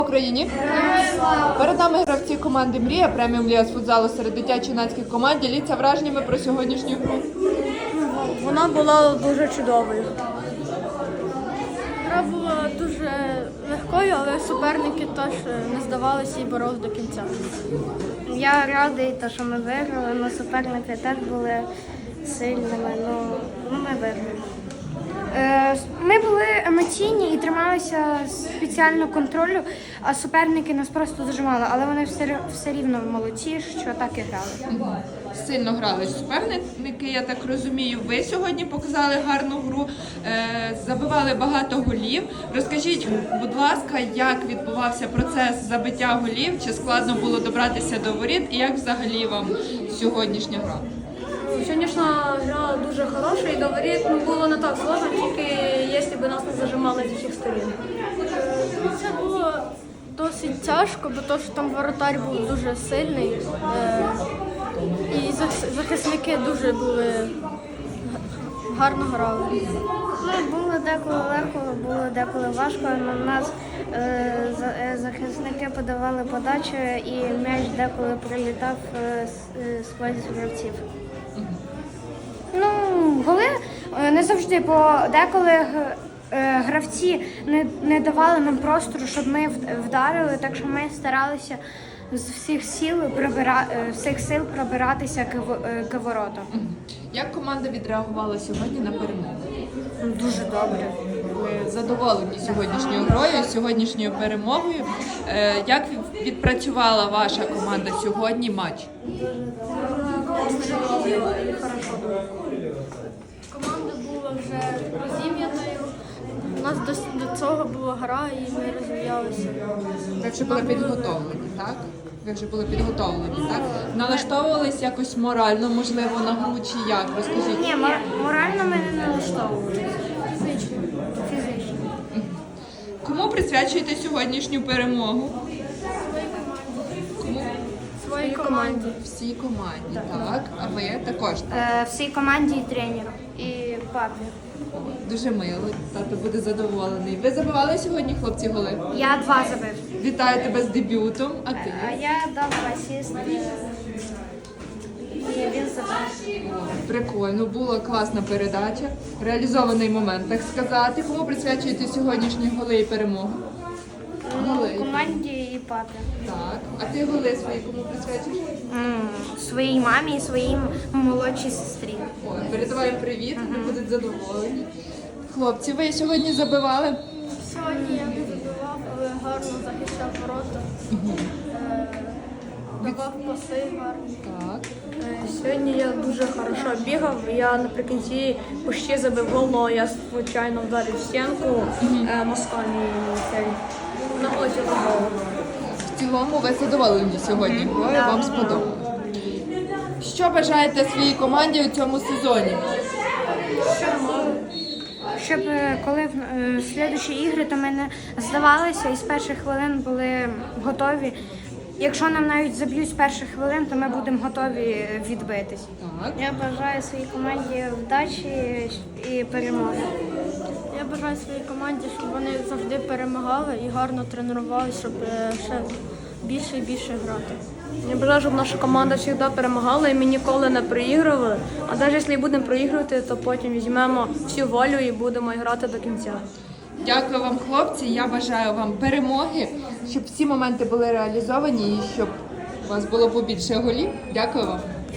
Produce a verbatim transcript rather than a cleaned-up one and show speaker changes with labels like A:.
A: Україні! Перед нами гравці команди «Мрія» преміум ліга з футзалу серед дитячо-юнацьких команд. Діліться враженнями про сьогоднішню гру.
B: Вона була дуже чудовою. Гра була дуже легкою, але суперники теж не здавалися і боролись до кінця.
C: Я радий, що ми виграли, але суперники теж були сильними, ну ми виграли. Ми були емоційні і трималися спеціального контролю, а суперники нас просто зажимали, але вони все, все рівно молодці, що так і грали.
A: Сильно грали суперники, я так розумію. Ви сьогодні показали гарну гру, забивали багато голів. Розкажіть, будь ласка, як відбувався процес забиття голів, чи складно було добратися до воріт і як взагалі вам сьогоднішня гра?
B: Сьогоднішня гра дуже хороша і до воріт було не так сложно, тільки якщо б нас не зажимали з усіх сторін. Це було досить тяжко, бо то, що там воротар був дуже сильний і захисники дуже були гарно грали.
C: Ну, було деколи легко, було деколи важко. На нас е, захисники подавали подачу і м'яч деколи прилітав е, сквозь гравців. Ну, голи не завжди, бо деколи гравці не, не давали нам простору, щоб ми вдарили, так що ми старалися з всіх сил пробира... всіх сил пробиратися к, к воротам.
A: Як команда відреагувала сьогодні на перемогу?
C: Дуже добре.
A: Ви задоволені сьогоднішньою грою, сьогоднішньою перемогою. Як відпрацювала ваша команда сьогодні матч?
B: Команда була вже розім'яною. У нас до, до цього була гра і ми розвивалися.
A: Ви вже були підготовлені, так? Ви вже були підготовлені, так? Налаштовувались якось морально, можливо, на гру чи як? Розкажіть.
C: Ні, морально ми не налаштовувалися.
B: Фізично.
C: Фізично.
A: Кому присвячуєте сьогоднішню перемогу? Кому?
B: Своїй команді.
A: Всій команді, так. А ви також?
C: Е, всій команді і тренеру, і папі.
A: Дуже мило, тато буде задоволений. Ви забивали сьогодні, хлопці, голи?
C: Я два забив.
A: Вітаю тебе з дебютом, а ти?
C: А я дав асист. І він забив.
A: Прикольно, була класна передача, реалізований момент, так сказати. Кому присвячуєте сьогоднішні голи і перемогу? Голи.
C: Команді і папі.
A: Так. А ти голи свої кому присвячуєш?
C: М, Своїй мамі і своїй молодшій сестрі.
A: Ой, передаваю привіт, вони будуть задоволені. Хлопці, ви сьогодні забивали?
B: Сьогодні я не забивав, але гарно захищав ворота. Е, Давав паси гарно.
A: Так.
B: Сьогодні я дуже хорошо бігав. Я наприкінці почти забив гол, але я звичайно вдарив стінку е, носком і цей на озі голову.
A: В цілому ви задоволені сьогодні грою, вам сподобалось. Що бажаєте своїй команді у цьому сезоні?
C: Щоб е, коли в е, слідчі ігри, то ми не здавалися і з перших хвилин були готові. Якщо нам навіть заб'ють з перших хвилин, то ми будемо готові відбитись.
A: Так.
C: Я бажаю своїй команді вдачі і перемоги.
B: Я бажаю своїй команді, щоб вони завжди перемагали і гарно тренувалися, щоб е, ще більше і більше грати. Я бажаю, щоб наша команда завжди перемагала і ми ніколи не проігрували. А навіть якщо і будемо проігрувати, то потім візьмемо всю волю і будемо грати до кінця.
A: Дякую вам, хлопці. Я бажаю вам перемоги, щоб всі моменти були реалізовані і щоб у вас було побільше голів. Дякую вам.